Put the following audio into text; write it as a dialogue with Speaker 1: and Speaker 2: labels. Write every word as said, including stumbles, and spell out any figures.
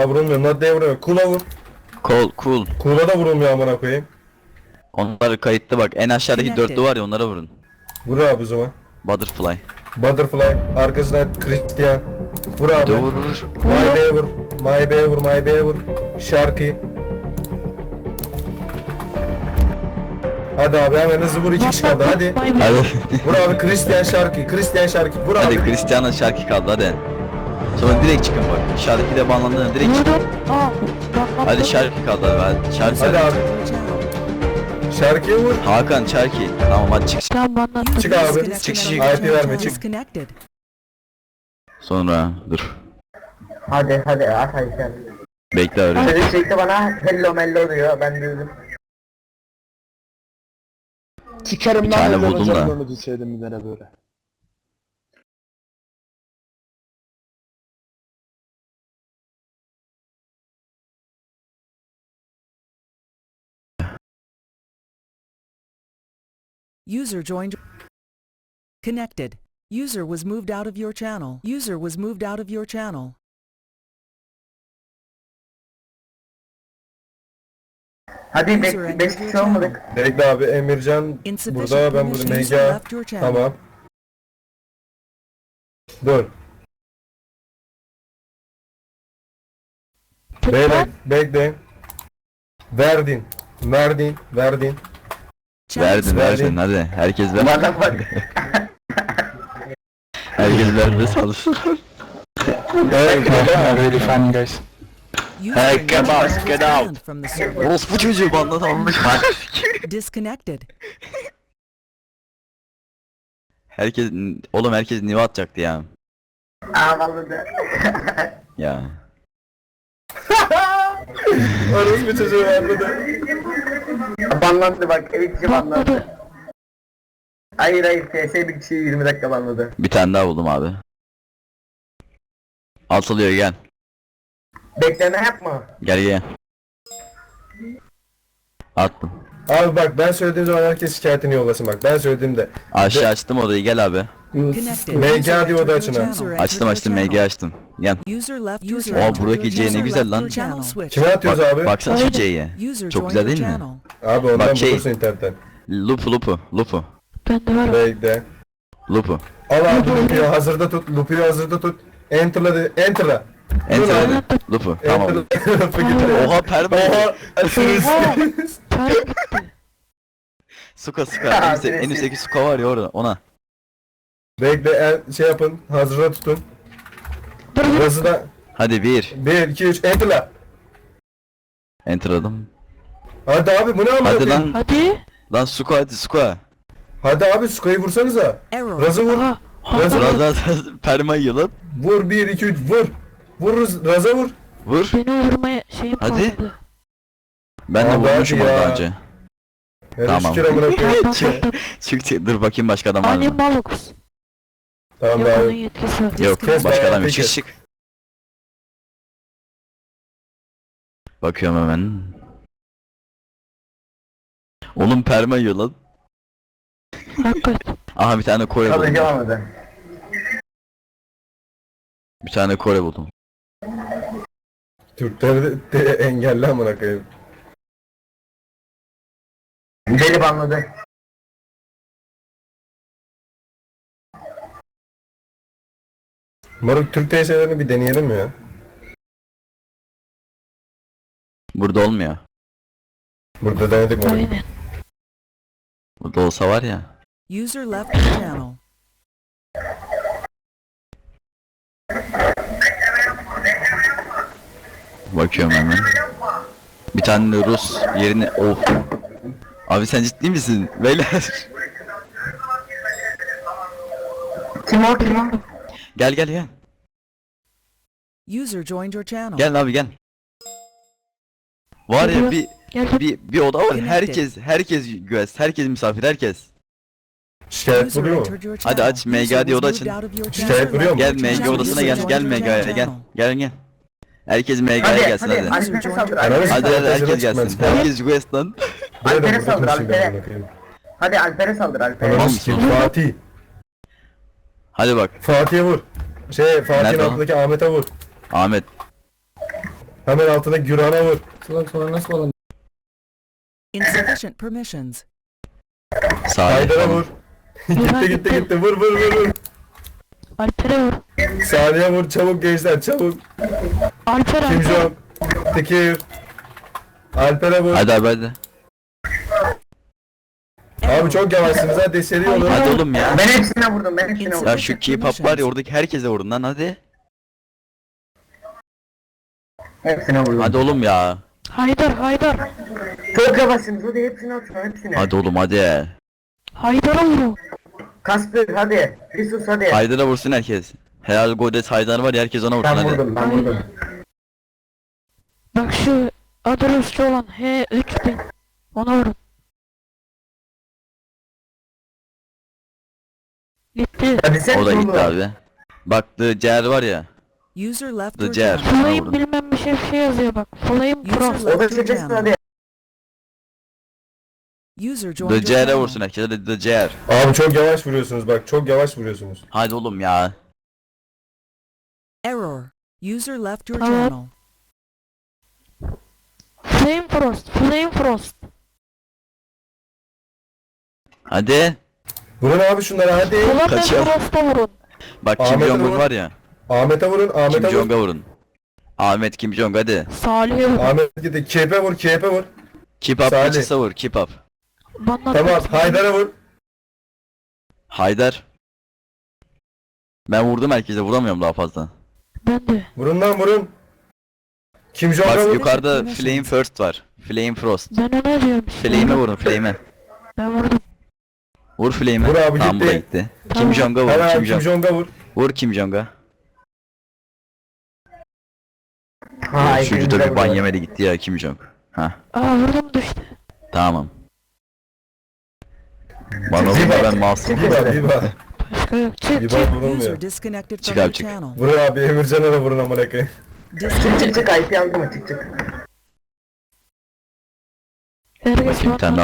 Speaker 1: Aa vurulmuyor. Nadde'ye vuruyor. Kula vur.
Speaker 2: Cool, cool.
Speaker 1: Kula da vurulmuyor amına koyayım.
Speaker 2: Onlar kayıtlı bak. En aşağıdaki dörtlü var ya, onlara vurun.
Speaker 1: Vur abi o zaman.
Speaker 2: Butterfly.
Speaker 1: Butterfly. Arkasından Christian. Vur abi.
Speaker 2: Dur vur vur.
Speaker 1: My B'ye vur. My B'ye vur. My B'ye vur. Şarkı. Hadi abi hemen hızlı vur. iki kişi kaldı hadi.
Speaker 2: Hadi.
Speaker 1: Vur abi Christian şarkı. Christian şarkı. Vur abi.
Speaker 2: Hadi Cristiano şarkı kaldı hadi. Sonra direkt çıkın bak. Şarkı de banlandığında direkt çıkın. Hadi şarkı kaldı abi. Hadi şarkı.
Speaker 1: Hadi abi. Şarkıya vur.
Speaker 2: Hakan şarkı. Tamam hadi çık.
Speaker 3: Tamam bana.
Speaker 1: Çık abi.
Speaker 2: Çık çık.
Speaker 1: I P verme çık.
Speaker 4: Disconnected.
Speaker 2: Sonra dur.
Speaker 5: Hadi hadi at hadi sen.
Speaker 2: Bekle öyle.
Speaker 5: Çocuk çekti bana hello mello diyor ben duydum.
Speaker 6: Sikerim
Speaker 2: Bir
Speaker 6: lan
Speaker 2: tane
Speaker 6: öyle
Speaker 2: buldum da.
Speaker 6: bacaklarını düşseydim bir tane böyle.
Speaker 4: User joined. Connected. User was moved out of your channel. User was moved out of your channel.
Speaker 5: Hadi
Speaker 4: User
Speaker 5: beş
Speaker 4: entered
Speaker 5: beş
Speaker 4: your
Speaker 5: kişi
Speaker 4: channel.
Speaker 5: olmadık.
Speaker 1: Bekle abi Emircan
Speaker 4: Insufficient
Speaker 1: burada ben burada
Speaker 4: permissions. User
Speaker 1: Mega.
Speaker 4: left your channel.
Speaker 1: Tamam. Dur. Beyler bekle. Verdin. Verdin. Verdin.
Speaker 2: Verdin
Speaker 1: Verdin.
Speaker 2: verdin hadi. Herkes ver.
Speaker 5: Bana bak.
Speaker 2: Herkes verdi salsın.
Speaker 1: Evet.
Speaker 6: Really funny guys.
Speaker 4: User
Speaker 2: Hey,
Speaker 4: in your
Speaker 2: come on,
Speaker 4: channel was
Speaker 2: get out.
Speaker 4: banned from the server.
Speaker 2: Orospu çocuğu banlatılmış.
Speaker 4: Disconnected.
Speaker 2: Herkes oğlum herkes niye atacaktı ya.
Speaker 5: Aa vallahi.
Speaker 2: Ya.
Speaker 1: Orası bir çocuğu anladı.
Speaker 5: Banlandı bak ilk kişi banlandı. Hayır hayır T S bir kişi yirmi dakika banladı.
Speaker 2: Bir tane daha buldum abi. Atılıyor gel.
Speaker 5: Bekleme yapma.
Speaker 2: Gel gel. Attım.
Speaker 1: Abi bak ben söylediğim zaman herkes şikayetini yollasın bak. Ben söylediğimde.
Speaker 2: Aşağı açtım odayı gel abi.
Speaker 4: Connected.
Speaker 1: Mega diyor oda
Speaker 4: User
Speaker 1: açın ha.
Speaker 4: entered your
Speaker 2: Açtım açtım
Speaker 4: channel.
Speaker 2: M G açtım. Gel.
Speaker 4: User left your
Speaker 2: Oo,
Speaker 4: channel.
Speaker 2: buradaki C ne
Speaker 4: User
Speaker 2: güzel
Speaker 4: left
Speaker 2: lan.
Speaker 4: your channel switch.
Speaker 1: Kime atıyoruz
Speaker 2: Bak,
Speaker 1: abi?
Speaker 2: baksana şu C'ye.
Speaker 4: User
Speaker 2: Çok
Speaker 4: joined
Speaker 2: güzel
Speaker 4: your
Speaker 2: değil mi?
Speaker 4: channel.
Speaker 1: Abi ondan
Speaker 2: Bak şey-
Speaker 1: bulursun internetten.
Speaker 2: Lupu lupu lupu.
Speaker 3: Bende var o.
Speaker 1: Bekle.
Speaker 2: Lupu.
Speaker 1: Al abi Lupi'yi hazırda tut. Lupi'yi hazırda tut. Enter'la de. Enter'la.
Speaker 2: Enter
Speaker 1: abi.
Speaker 2: hadi. Lupu. Tamam.
Speaker 1: Enter'la. Lupi gidiyor.
Speaker 2: Oha perma.
Speaker 1: Oha.
Speaker 3: Para gitti.
Speaker 2: Suka suka. En, üstte, en üstteki suka var ya orada ona.
Speaker 1: Bekle en, şey yapın. Hazırda tutun.
Speaker 3: Dur dur.
Speaker 1: Burası da
Speaker 2: Hadi bir.
Speaker 1: bir iki üç enter'la.
Speaker 2: Enterladım.
Speaker 1: Hadi abi bu ne amına
Speaker 2: Hadi
Speaker 1: koyayım?
Speaker 2: lan.
Speaker 3: Hadi.
Speaker 2: Lan suka hadi suka.
Speaker 1: Hadi abi Suka'yı vursanıza.
Speaker 4: Error.
Speaker 1: Razı vur.
Speaker 3: Aha.
Speaker 1: Razı vur.
Speaker 2: Biraz daha perma yiyor lan.
Speaker 1: Vur bir iki üç vur. Vur Rız- Raz'a vur.
Speaker 2: Vur.
Speaker 3: Beni vurmaya şeyim
Speaker 2: Hadi.
Speaker 3: kalmadı.
Speaker 2: Ben de
Speaker 1: Abi hadi
Speaker 2: vurmuşum onu
Speaker 1: ya.
Speaker 2: daha önce.
Speaker 1: Yani
Speaker 2: Tamam.
Speaker 1: şükür amına koyayım.
Speaker 3: Bak bak bak.
Speaker 2: Çık çık dur bakayım başka adam var
Speaker 3: Ali
Speaker 2: mı?
Speaker 3: Malux.
Speaker 1: Tamam
Speaker 3: Yok onun
Speaker 1: abi.
Speaker 3: yetkisi var.
Speaker 2: Yok
Speaker 1: Kes
Speaker 2: başka
Speaker 1: bayağı,
Speaker 2: adam yok. Çık
Speaker 1: peki.
Speaker 2: çık. Bakıyorum hemen. Oğlum perma yiyor lan.
Speaker 3: Hakikaten.
Speaker 2: Aha bir tane Kore
Speaker 5: Kalıcı
Speaker 2: buldum.
Speaker 5: olmadı.
Speaker 2: Bir tane Kore buldum.
Speaker 1: Türkleri de, de engelli amına koyayım.
Speaker 5: Deli banladı.
Speaker 1: Moruk Türk T S'lerini bir deneyelim mi ya?
Speaker 2: Burada olmuyor.
Speaker 1: Burada denedik moruk.
Speaker 3: Aynen.
Speaker 2: Burada olsa var ya.
Speaker 4: User left your channel.
Speaker 2: Bakıyorum hemen. Bir tane de Rus yerine of. Abi sen ciddi misin? Beyler.
Speaker 5: Kim o kim o?
Speaker 2: Gel gel gel.
Speaker 4: User joined your channel.
Speaker 2: Gel abi gel. Var ya bir
Speaker 3: Gel dur.
Speaker 2: bir bir oda var.
Speaker 4: Connected.
Speaker 2: Herkes herkes güvez. Herkes misafir herkes.
Speaker 4: User
Speaker 1: Şikayet vuruyor mu?
Speaker 4: entered your
Speaker 2: Hadi
Speaker 4: channel.
Speaker 2: aç, M G
Speaker 4: User
Speaker 2: diye oda
Speaker 4: was moved
Speaker 2: açın.
Speaker 4: out of your
Speaker 1: Şikayet
Speaker 4: channel.
Speaker 1: vuruyor mu?
Speaker 2: Gel M G
Speaker 4: Channel
Speaker 2: odasına
Speaker 4: user
Speaker 2: gel.
Speaker 4: joined
Speaker 2: Gel
Speaker 4: your
Speaker 2: M G'ye gel.
Speaker 4: channel.
Speaker 2: Gel gel. Herkes M G'ye
Speaker 5: Hadi
Speaker 2: gelsin
Speaker 5: hadi
Speaker 2: hadi.
Speaker 5: Alper'e saldır
Speaker 1: Ananı
Speaker 5: Alper'e
Speaker 2: Hadi
Speaker 1: sikeyim.
Speaker 2: hadi herkes
Speaker 1: Çıkmaz.
Speaker 2: gelsin. Herkes West lan.
Speaker 1: Böyle
Speaker 5: Alper'e
Speaker 1: de
Speaker 5: saldır,
Speaker 1: bırakmışım ben
Speaker 5: Alper'e.
Speaker 1: amına koyayım.
Speaker 5: Hadi Alper'e saldır Alper'e.
Speaker 1: Ananı
Speaker 2: Oğlum,
Speaker 1: sikeyim. Fatih.
Speaker 2: Hadi bak.
Speaker 1: Fatih'e vur. Şey Fatih'in
Speaker 2: Nerede o?
Speaker 1: altındaki Ahmet'e vur.
Speaker 2: Ahmet.
Speaker 1: Hemen altına Güran'a vur. Salak sonra nasıl falan?
Speaker 4: Insufficient permissions.
Speaker 2: Salih
Speaker 1: Haydar'a
Speaker 2: falan.
Speaker 1: vur. gitti gitti gitti vur vur vur vur.
Speaker 3: Alper'e vur.
Speaker 1: Saniye vur çabuk gençler çabuk.
Speaker 3: Alper
Speaker 1: Kim
Speaker 3: Alper.
Speaker 1: Jong. Tekir. Alper'e vur.
Speaker 2: Hadi abi hadi.
Speaker 1: Abi çok yavaşsınız hadi seri olun.
Speaker 2: Hadi oğlum ya.
Speaker 5: Ben hepsine vurdum ben hepsine vurdum.
Speaker 2: Ya şu K-pop var ya oradaki herkese vurun lan hadi.
Speaker 5: Hepsine vurdum.
Speaker 2: Hadi oğlum ya.
Speaker 3: Haydar Haydar.
Speaker 5: Çok yavaşsınız hadi hepsine atın hepsine.
Speaker 2: Hadi oğlum hadi.
Speaker 3: Haydar'a vur.
Speaker 5: Kasper hadi. Risus hadi.
Speaker 2: Haydar'a vursun herkes. Helal Godet Haydar var ya herkes ona vursun
Speaker 5: Ben
Speaker 2: hadi.
Speaker 5: vurdum ben vurdum.
Speaker 3: Bak şu adı Rusça olan H üç bin. Ona vurun. Gitti.
Speaker 5: Hadi sen
Speaker 2: O da gitti
Speaker 5: vurdun.
Speaker 2: abi. Bak The Cer var ya.
Speaker 4: User left
Speaker 2: The
Speaker 4: your
Speaker 2: Cer.
Speaker 4: channel.
Speaker 2: Ona
Speaker 3: Flame
Speaker 2: vurun.
Speaker 3: bilmem bir şey bir şey yazıyor bak. Flame
Speaker 4: User
Speaker 3: Frost.
Speaker 5: O da
Speaker 4: left your
Speaker 5: çekilsin
Speaker 4: channel.
Speaker 5: hadi.
Speaker 4: User joined
Speaker 2: The
Speaker 4: your
Speaker 2: Cer'e
Speaker 4: channel.
Speaker 2: vursun herkes hadi The Cer.
Speaker 1: Abi çok yavaş vuruyorsunuz bak çok yavaş vuruyorsunuz.
Speaker 2: Hadi oğlum ya.
Speaker 4: Error. User left your
Speaker 3: Tamam.
Speaker 4: channel.
Speaker 3: Flame Frost. Flame Frost.
Speaker 2: Hadi.
Speaker 1: Vurun abi şunlara hadi.
Speaker 3: Flame
Speaker 2: Kaçıyor.
Speaker 3: Frost'a vurun.
Speaker 2: Bak Kim
Speaker 1: Ahmet'e
Speaker 2: Jong-un
Speaker 1: vur.
Speaker 2: var ya.
Speaker 1: Ahmet'e vurun
Speaker 2: Kim
Speaker 1: Ahmet'e vur.
Speaker 2: Jong'a vurun. Ahmet Kim Jong hadi.
Speaker 3: Salih'e vur.
Speaker 1: Ahmet gitti. Kepe vur kepe vur.
Speaker 2: Keep up
Speaker 1: Salih.
Speaker 2: kaçırsa vur keep up.
Speaker 3: Bana
Speaker 1: Tamam Haydar'a vur.
Speaker 2: Haydar. Ben vurdum herkese vuramıyorum daha fazla.
Speaker 3: Ben de.
Speaker 1: Vurun lan vurun. Kim Jong'a
Speaker 2: Bak
Speaker 1: vur.
Speaker 2: yukarıda Flame First var. Flame Frost.
Speaker 3: Ben ona diyorum işte.
Speaker 2: Flame'e vurun Flame'e.
Speaker 3: Ben vurdum.
Speaker 2: Vur Flame'e.
Speaker 1: Vur abi,
Speaker 2: Tamam bu da
Speaker 1: gitti.
Speaker 2: gitti.
Speaker 3: Tamam.
Speaker 2: Kim Jong'a vur
Speaker 1: Hemen
Speaker 2: Kim
Speaker 1: Kim
Speaker 2: Jong.
Speaker 1: Jong'a vur.
Speaker 2: Vur Kim Jong'a.
Speaker 5: Hayır.
Speaker 2: Üçüncü de bir ban yemedi gitti ya Kim Jong. Ha
Speaker 3: Aa vurdum düştü.
Speaker 2: tamam. Bana vurma ben masum.
Speaker 1: Bir bak bir bak.
Speaker 3: Başka yok. Çık
Speaker 1: Bir
Speaker 3: çık.
Speaker 1: bak vurulmuyor.
Speaker 4: User disconnected
Speaker 2: Çık
Speaker 4: from
Speaker 2: abi,
Speaker 4: your
Speaker 2: çık.
Speaker 4: channel.
Speaker 1: Vurun abi Emircan'a da vurun amına koyayım.
Speaker 5: Çık çık
Speaker 4: Disconnected.
Speaker 5: çık I P aldım mı çık çık.
Speaker 3: Herkes
Speaker 2: Bakayım bir tane
Speaker 3: bana